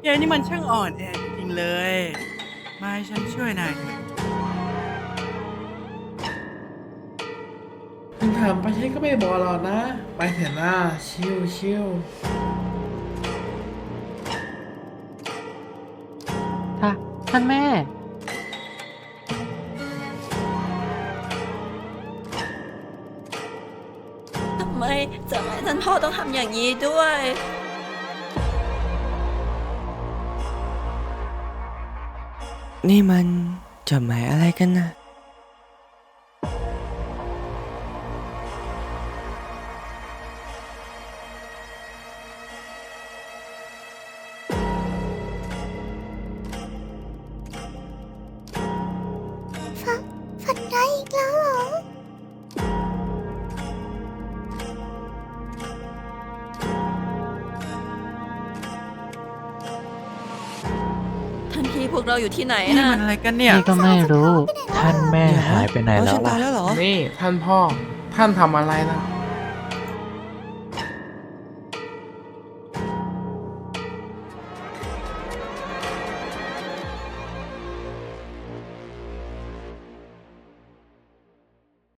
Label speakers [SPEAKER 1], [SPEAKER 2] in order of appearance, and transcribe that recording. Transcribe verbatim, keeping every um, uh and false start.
[SPEAKER 1] ยายนี่มันช่างอ่อนแอจริงๆเลย มาให้ฉันช่วยนายเถอะ
[SPEAKER 2] คุณถามไปฉันก็ไม่บอกหรอกนะ ไปเถอะนะชิวชิว
[SPEAKER 3] ค่ะท่านแม่
[SPEAKER 4] ทำไมจะแม่ท่านพ่อต้องทำอย่างนี้ด้วย
[SPEAKER 5] นี่มันจดหมายอะไรกันนะ
[SPEAKER 6] ฝันร้ายอีกแล้วเหรอ
[SPEAKER 4] ท่านพี่พวกเราอยู่ที่ไหน
[SPEAKER 1] นี่
[SPEAKER 4] นะ
[SPEAKER 1] มันอะไรกันเนี่ย
[SPEAKER 3] นี่ก็ไม่รู้
[SPEAKER 7] ท่านแม่หายไปไหน
[SPEAKER 5] เอา
[SPEAKER 7] แล้
[SPEAKER 5] ฉั
[SPEAKER 7] วน
[SPEAKER 5] ตาย
[SPEAKER 7] ล่ะ
[SPEAKER 5] แล้วเหรอ
[SPEAKER 2] นี่ท่านพ่อ ท่านทำอะไรนะ